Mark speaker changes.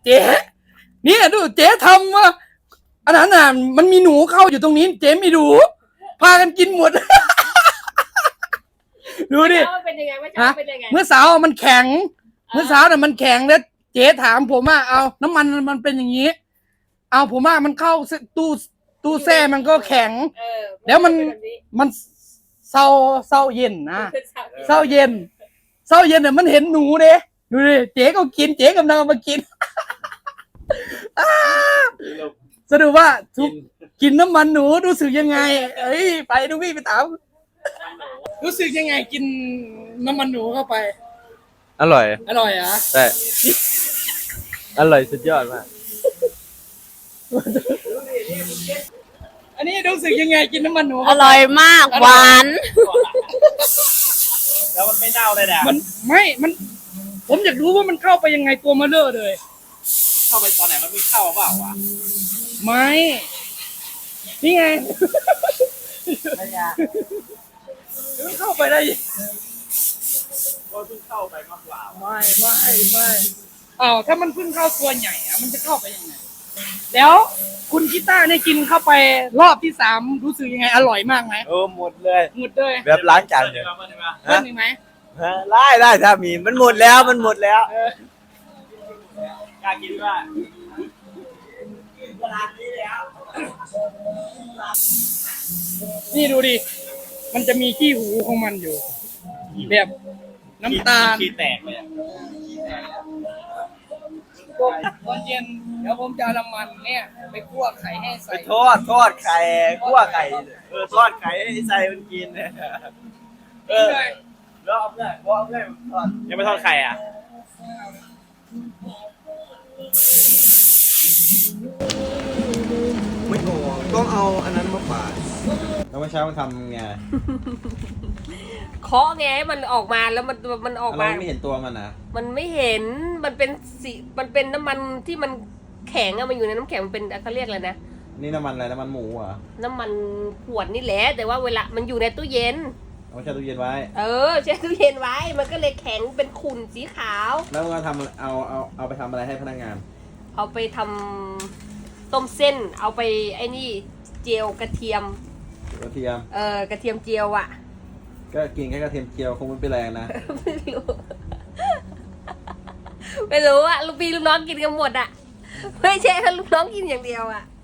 Speaker 1: เจ๊เนี่ยดูเจ๊ทำว่าอันนั้นน่ะมันมีหนูเข้าอยู่ตรงนี้เจ๊ไม่ดูพากันกินหมด ดูดิ
Speaker 2: เป็นยังไงว่าจะเป็นยังไง
Speaker 1: เมื่อสาวมันแข็งเมื่อสาวน่ะมันแข็งแล้วเจ๊ถามผมว่าเอาน้ำมันมันเป็นอย่างนี้เอาผมว่ามันเข้าตู้แช่มันก็แข็งแล้วมันเศร้าเย็นนะเศร้าเย็นเนี่ยมันเห็นหนูเด้ดูดิเจ๊ก็กินเจ๊กำลังมากิน สรุปว่าทุกกินน้ำมันหนูรู้สึกยังไงเอ้ยไปดูพี่ไปถามรู้สึกยังไงกินน้ำมันหนูเข้าไป
Speaker 3: อร่อย
Speaker 1: อร่อยอ่ะ
Speaker 3: ใช่ อร่อยสุดยอดมาก
Speaker 1: อันนี้รู้สึกยังไงกินน้ำมันหนู
Speaker 2: อร่อยมากหวาน
Speaker 3: แล้วมันไม่เน่าเลยนะ
Speaker 1: มันผมอยากรู้ว่ามันเข้าไปยังไงตัวมาเลอะเลย
Speaker 3: เข้าไปตอนไหนมันไม่เข้าเปล่าวะ
Speaker 1: ไม่นี่ไงมันเข้าไปได้
Speaker 3: ก็เพิ่งเข้าไปมากกว่า
Speaker 1: ไม่อ้าวถ้ามันเพิ่งเข้าตัวใหญ่อะมันจะเข้าไปยังไงแล้วคุณกีต้าเนี่ยกินเข้าไปรอบที่3รู้สึกยังไงอร่อยมากไหม
Speaker 3: หมดเลย
Speaker 1: หมดเลย
Speaker 3: แบบล้างจานเลย
Speaker 1: เพิ่มอีกไหม
Speaker 3: ได้ถ้ามีมันหมดแล้วกล้ากินว่าขนาดนี้แล้ว
Speaker 1: นี่ดูดิมันจะมีขี้หูของมันอยู่แบบน้ำตาล
Speaker 3: ขี้แตกเลย
Speaker 1: ตอนเย็นเดี๋ยวผมจะเอาน้ำมันเนี่ยไปคั่วไข่ให้ใส่
Speaker 3: ไปทอดไข่คั่วไข่ทอดไข่ให้ใส่มันกินแล้วเอาเพื่อนทอดยังไม่ทอดไข่อ่ะไม่พอต้องเอาอันนั้นมาฝาดแล้วเมื่อเช้ามันทำไง
Speaker 2: เคาะไงให้มันออกมาแล้วมันออกมา
Speaker 3: เราไม่เห็นตัวมันนะ
Speaker 2: มันไม่เห็นมันเป็นสีมันเป็นน้ำมันที่มันแข็งอะมันอยู่ในน้ำแข็งมันเป็นเขาเรียกอะไรนะ
Speaker 3: นี่น้ำมันอะไรน้ำมันหมูเหรอ
Speaker 2: น้ำมันขวดนี่แหละแต่ว่าเวลามันอยู่ในตู้เย็น
Speaker 3: เอาแช่ตู้เย็นไว้
Speaker 2: แช่ตู้เย็นไว้มันก็เลยแข็งเป็นขุ่นสีขาว
Speaker 3: แล้วก็ทำเอาไปทำอะไรให้พนักงาน
Speaker 2: เอาไปทำต้มเส้นเอาไปไอ้นี่เจียวกระเทียม
Speaker 3: กระเทียม
Speaker 2: กระเทียมเจียวอะ
Speaker 3: ก็กินแค่กระเทียมเจียวคงไม่เป็นแรงนะ
Speaker 2: ไม่รู้อะลูกพี่ลูกน้องกินกันหมดอะไม่ใช่แค่ลูกน้องกินอย่างเดียวอะ